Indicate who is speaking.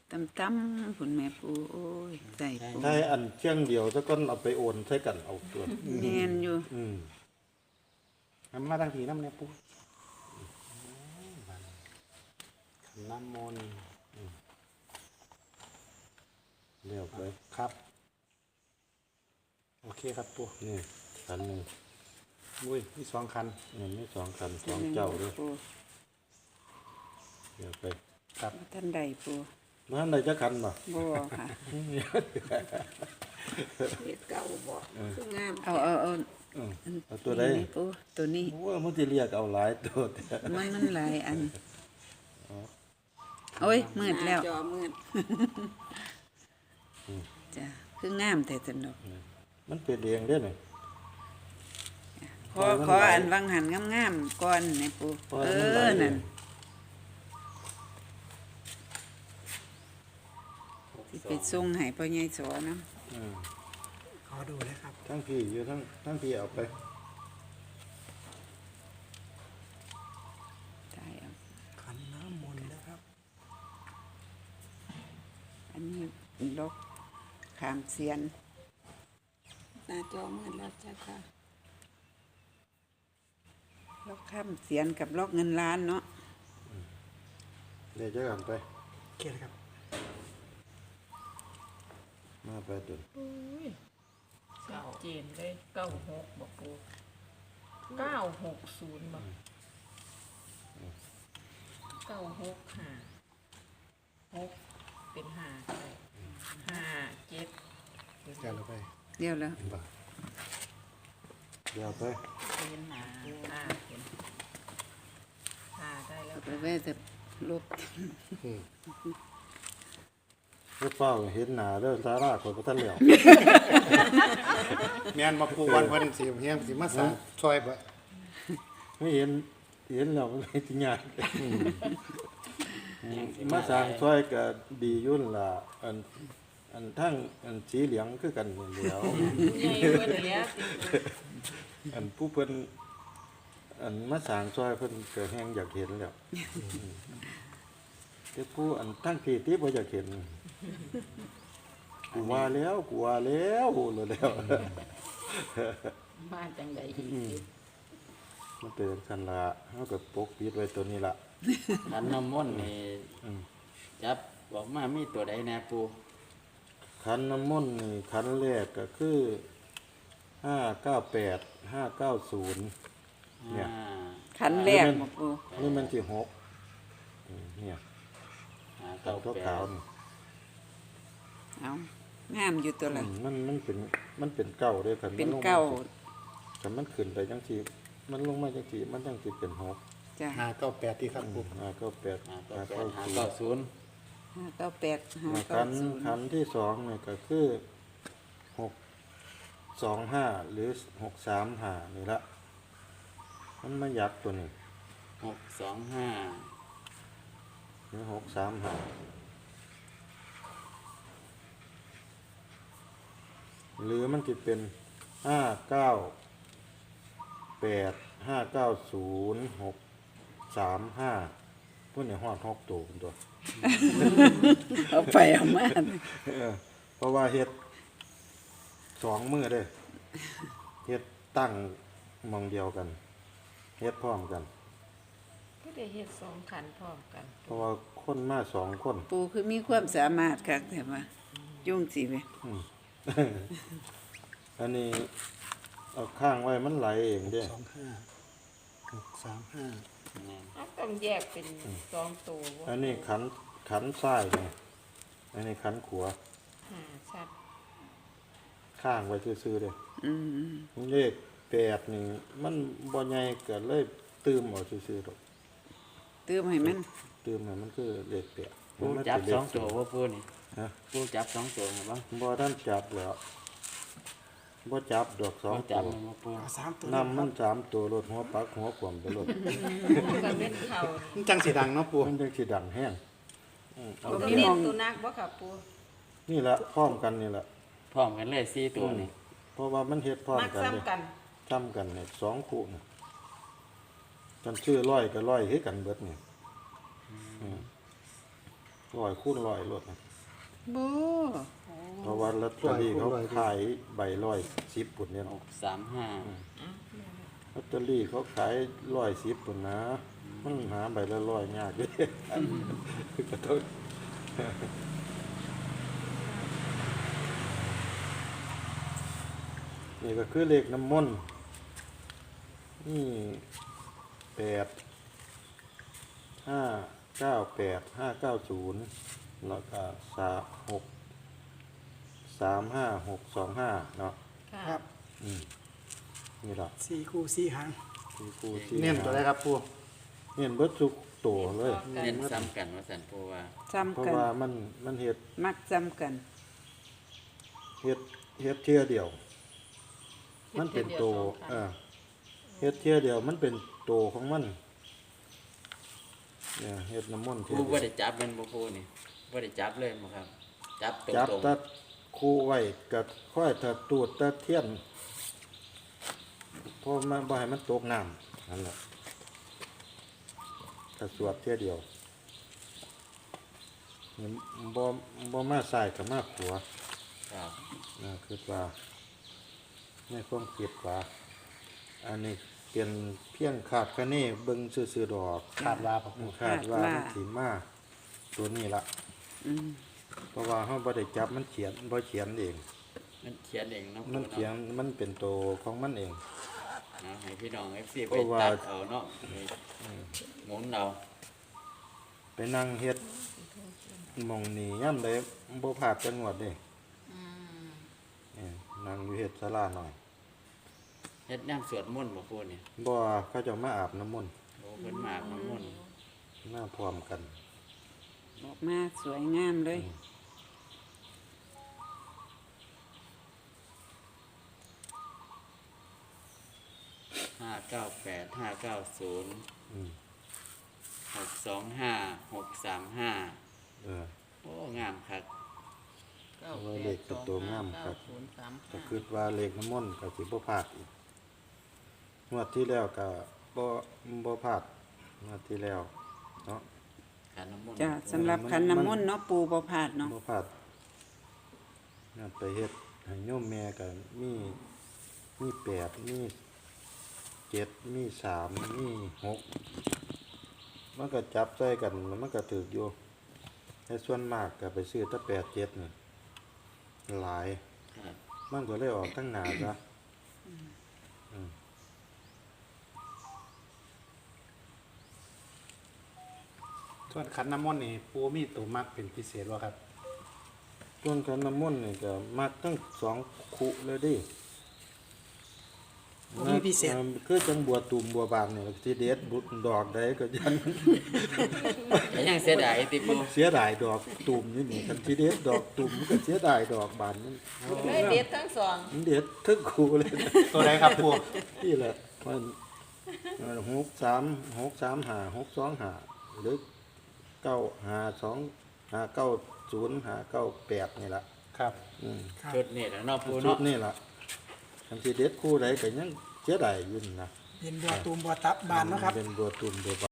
Speaker 1: ตั้มคุณแม่ปูโอ้ยใจปู
Speaker 2: ได้อันเชียงเดียวซะก่อนเอาไปโอนใช้กันเอาตัว
Speaker 1: แม่นอยู่
Speaker 3: น้ำมาตั้งทีน้ำเนี่ยปุ๊บน้ำมนต์
Speaker 2: เรียบไป
Speaker 3: ครับโอเคครับปุ๊บ
Speaker 2: นี่คันหนึง
Speaker 3: อุ้ยมีสองคัน
Speaker 2: นี่มี2คัน2เจ้าด้วย
Speaker 1: ปู
Speaker 2: เรียบไป
Speaker 3: ครับ
Speaker 1: ท่านใดปู
Speaker 2: มันได้จักคันบ่
Speaker 1: บ่ค่ะ
Speaker 4: เฮ็ดเก่าบ่คืองาม
Speaker 1: เอา
Speaker 2: เอาตัวใด
Speaker 1: นี่ปูตัวนี้
Speaker 2: โอ้มันสิเรียกเอาหลายตัวแต่
Speaker 1: มันหลายอันโอ้ยมืดแล้ว
Speaker 4: จอมืด
Speaker 1: จ้ะคืองามแต่สนุก
Speaker 2: มันเป็นเองเด้อนี่
Speaker 1: ขออันวังหันงามๆก่อนนี่ปู
Speaker 2: เพราะมันหลายเอง
Speaker 1: นั่นสิไปส่งให้พ่อใหญ่สอนํ
Speaker 3: ขอดูเลยครับ
Speaker 2: ทั้งพี่อยู่ทั้งพี่เอาไป
Speaker 1: ตายเอา
Speaker 3: ขันน้ำมนต์นะครับ
Speaker 1: อันนี้ลกขามเสียน
Speaker 4: หน้าจอมืดแล้วจ้ะค่ะ
Speaker 1: ลกข้ามเสียนกับลกเงินล้านเนาะ
Speaker 2: เดี๋ยวจะกันไป
Speaker 3: เกียรครับ
Speaker 2: มาไปตุน
Speaker 5: ชัดเจนเลย96บอกปู960บอก965 6เป็น5ก็ได้5 7
Speaker 3: เกียรไป
Speaker 1: เดี๋ยวแล้ว
Speaker 2: เดี๋ยวไป
Speaker 5: เป็น5เป็น5ได้แล้ว
Speaker 1: ไปแว่จะลบ
Speaker 2: รถเฝ้าเห็นหน้าเด้อสาราคนบ่ทันแล้ว
Speaker 3: แม่นมาปูวันเพิ่นสิเฮียงสิมาสั่งซอยบ่
Speaker 2: ไม่เห็นแล้วมันสิยากมาสร้างซอยก็ดียุ่นล่ะอันทั้งอันสีเหลืองคือกันนี่แหล้ว
Speaker 5: ใหญ่เพิ่นเหลือสิ
Speaker 2: อันผู้เพิ่นอันมาสร้างซอยเพิ่นก็แฮงอยากเห็นแล้วแต่ผู้อันทั้งที่บ่อยากเห็นกูว่าแล้วแล้ว
Speaker 5: มาจังไดอีก
Speaker 2: มันเป็นสันละเฮาก็ปกปิดไว้ตัวนี้ล่ะ
Speaker 6: ขันน้ำมนต์นี่จับบอกมามีตัวใดแน่ปู
Speaker 2: ขันน้ำมนต์นี่ขันแรกก็คือ598 590เนี่ย
Speaker 1: ขันแรกบ่ปู
Speaker 2: นี่มันสิ6เนี่ย
Speaker 6: เก้า
Speaker 2: ตัว
Speaker 6: แป
Speaker 2: ขาว
Speaker 6: ด
Speaker 2: นี่
Speaker 1: เอางามอยู่ตัวละ
Speaker 2: มันเป็นเก้าเด้อคัน
Speaker 1: เป็น
Speaker 2: มัลงม
Speaker 1: เก้า
Speaker 2: คันมันขึ้นไปจังซี่มันลงมาจังซี่มันจังสิเป็น6
Speaker 1: จ้ะ
Speaker 3: 598ที่ครับปู
Speaker 2: 598
Speaker 6: เก้าแปดหา
Speaker 2: 590
Speaker 6: เก้าศูนย์
Speaker 1: 598
Speaker 2: ขัน
Speaker 1: 590
Speaker 2: ที่สองเนี่ยก็คือ625หรือ635นี่ละมันมายักตัวนี้
Speaker 6: 625
Speaker 2: หรือ635หรือมันจะเป็น598 590 635พวกนี้ฮอด6ตัวเป็นตัว
Speaker 1: เอาไปเอามา
Speaker 2: เพราะว่าเฮ็ด2มื้อเด้เฮ็ดตั้งหมองเดียวกันเฮ็ดพร้อมกัน
Speaker 5: ก็ได้เฮ็ด2คันพร้อมกัน
Speaker 2: เพราะว่าคนมา2คน
Speaker 1: ปูคือมีความสามารถคักแต่ว่ายุ่งสิเว้ย
Speaker 2: อันนี้เอาข้างไว้มันไหลเองเด้
Speaker 3: 25 635
Speaker 5: ต้องแยกเป็น2ตัวบ่
Speaker 2: อันนี้ขันซ้ายนี่อันนี้ขันขวา
Speaker 5: ชัด
Speaker 2: ข้างไว้ซื่อๆเด้
Speaker 1: อืม
Speaker 2: เลข8นี่มันบ่ใหญ่ก็เลยตืมเอาซื่อๆดอก
Speaker 1: ตื้มให้มัน
Speaker 2: ตืมให้มันคือเลข8
Speaker 6: ปูจับ2ตัวว่าปูนี่
Speaker 2: ฮะ
Speaker 6: ปูจับ2ตัวครับบ้าง
Speaker 2: บ่ทันจับแล้วบ่จับดอก2
Speaker 6: ปู
Speaker 2: ตั
Speaker 6: จับ
Speaker 2: ว
Speaker 6: มันมาปู
Speaker 3: เอา3ตัวน
Speaker 2: ำมัน3ตัวรถหัวปักหัวขวมไปรถ
Speaker 5: ก็เป็นเขา
Speaker 3: มันจังสิดังเนาะปู
Speaker 2: มันจังสิดังแห้ง
Speaker 5: ตัวเน้นตัวนักบ่ค่ะปู
Speaker 2: นี่ละพร้อมกันนี่ละ
Speaker 6: พร้อมกันเลย4ตัวนี่
Speaker 2: เพราะว่ามันเฮ็ดพร้อม
Speaker 5: มัก
Speaker 2: กันเลย
Speaker 5: ซ้ำกัน
Speaker 2: ซ้ำกันเนี่ย2คู่น่ะกันชื่อร้อยก็ร้อยคือกันเบิดนี่ 100คูณ100รถนะ
Speaker 1: โบ
Speaker 2: เพราะว่าลอตเตอรี่เขาขายใบ110ปุ่นเนี่ย
Speaker 6: 635
Speaker 2: ลอตเตอรี่เขาขาย110ปุ่นนะมันหาใบละ100ยากเด้ขอโทษนี่ก็คือเลขน้ำมนต์นี่8 5 9 8 5 9 0แล้วก็3 6 3 5 6 2 5เนาะ
Speaker 3: ครับ
Speaker 2: นี่ล่ะ
Speaker 3: 4คู่4หาง
Speaker 2: คือครูที่
Speaker 3: เน้นตัวใดครับปู
Speaker 2: เน้นเบิดทุกตัวเลย
Speaker 6: เน้นซ้ำกันว่าสันปูว่า
Speaker 1: จำ
Speaker 2: เพราะ
Speaker 1: กัน
Speaker 2: ว่ามันเฮ็ด
Speaker 1: มักจำกัน
Speaker 2: เฮ็ดเที่ยเดียว มันเป็นโตเฮ็ดเที่ยเดียวมันเป็นโตของมันเนี่ยเฮ็ดน้ำมนต์
Speaker 6: ปู
Speaker 2: เที่ย
Speaker 6: บ่
Speaker 2: เดียว
Speaker 6: ได้จับเป็นบ่ปูนี่บ่ได้จับเลยบ่ครับ จับต
Speaker 2: จับ
Speaker 6: รง
Speaker 2: ตัดคู่ไว้กับค่อยถ้าตูดตะเทียนเพราะมันบ่ให้มันตกน้ำนั่นแหละถ้าสวดเที่ยเดียวนี่บ่มาใส่กับมาขวา
Speaker 6: ๆครับ
Speaker 2: คิดว่าในความคิดว่าอันนี้เป็นเพียงขาดคะเนเบิ่งซื่อๆดอก
Speaker 3: ขาดว่าครับปู
Speaker 2: คาดว่ามันสิมาตัวนี้ละ
Speaker 1: อืม
Speaker 2: เพราะว่าเฮาบ่ได้จับมันเขียนบ่เขียนเอง
Speaker 6: มันเขียนเองเนาะ
Speaker 2: มันเขียนมันเป็นตัวของมันเอง
Speaker 6: เอาให้พี่น้อง FC
Speaker 2: เพ
Speaker 6: ไป
Speaker 2: ราะว่า
Speaker 6: ตัดเอาเนาะไปหมุนเอา
Speaker 2: ไปนั่งเฮ็ดหมองนี้ย่ำใดบ่พลาดจังหวัดเด้นั่งอยู่เฮ็ดศาลาหน่อย
Speaker 6: เฮ็ดน้ำสวดมนต์บ่ปูนี่
Speaker 2: บ่เขาเจะมาอาบน้ำมนต์
Speaker 6: โอ้เพิ่นมาอาบน้ำมนต์
Speaker 2: มาพร้อมกัน
Speaker 1: ออกมาสวยงามเลย
Speaker 6: 598 590
Speaker 2: อืม
Speaker 6: 625 635
Speaker 2: เออ
Speaker 6: โอ้งามคัก
Speaker 2: ว่าเลขเป็นตัวงามครับ ก็คิดว่าเลขน้ำมนต์ก็สิบ่พลาดอีกงวดที่แล้วก็บ่พลาดงวดที่แล้วเนาะ
Speaker 6: ขันน้ำมนต์
Speaker 1: จ้ะสำหรับขันน้ำมนต์เนาะปูบ่พลาดเนาะ
Speaker 2: บ่พลาดนั่นไปเฮ็ดให้โยมแม่ก็มี8มี7มี3มี6มันก็จับใส่กันแล้วมันก็ถูกอยู่แต่ส่วนมากก็ไปซื้อแต่8 7นี่หลาย
Speaker 6: ครับ
Speaker 2: มันก็เลยออกทั้งหนาซะ
Speaker 3: ส่วนขันน้ำมนต์นี่ปูมีตัวมักเป็นพิเศษบ่ครับ
Speaker 2: ส่วนขันน้ำมนต์นี่ก็มักทั้ง2คุเลยดิ
Speaker 3: มีพิเศษ
Speaker 2: คือจังบัวตุ่มบัวบานนี่ที่เด็ดบุดดอกใดก็ยัน
Speaker 6: แต่ยังเสียดายติปู
Speaker 2: เสียดายดอกตุ่มนี่คันที่เด็ดดอกตุ่มมันก็เสียดายดอกบานนี่
Speaker 4: เลยเด็ดทั้งสอง
Speaker 2: มันเด็ดทึกคูเลยนะ
Speaker 3: ตัวใดครับปู
Speaker 2: นี่แหละมัน6 3 5 6 2 5หรือ9 5 2 5 9 0 5 9 8นี่ล่ะ
Speaker 3: ครับ
Speaker 6: ชุดนี่แหละเนาะปู
Speaker 2: ชุ
Speaker 6: เนาะ
Speaker 2: ดนี่ล่ะคันที่เด็ดคู่ใดก็ยังเสียดายอยู่นี่นะ
Speaker 3: เป็นบัวตูมบัวตับบานเนาะครับ
Speaker 2: เป็นบัวตุ่มบัวบาน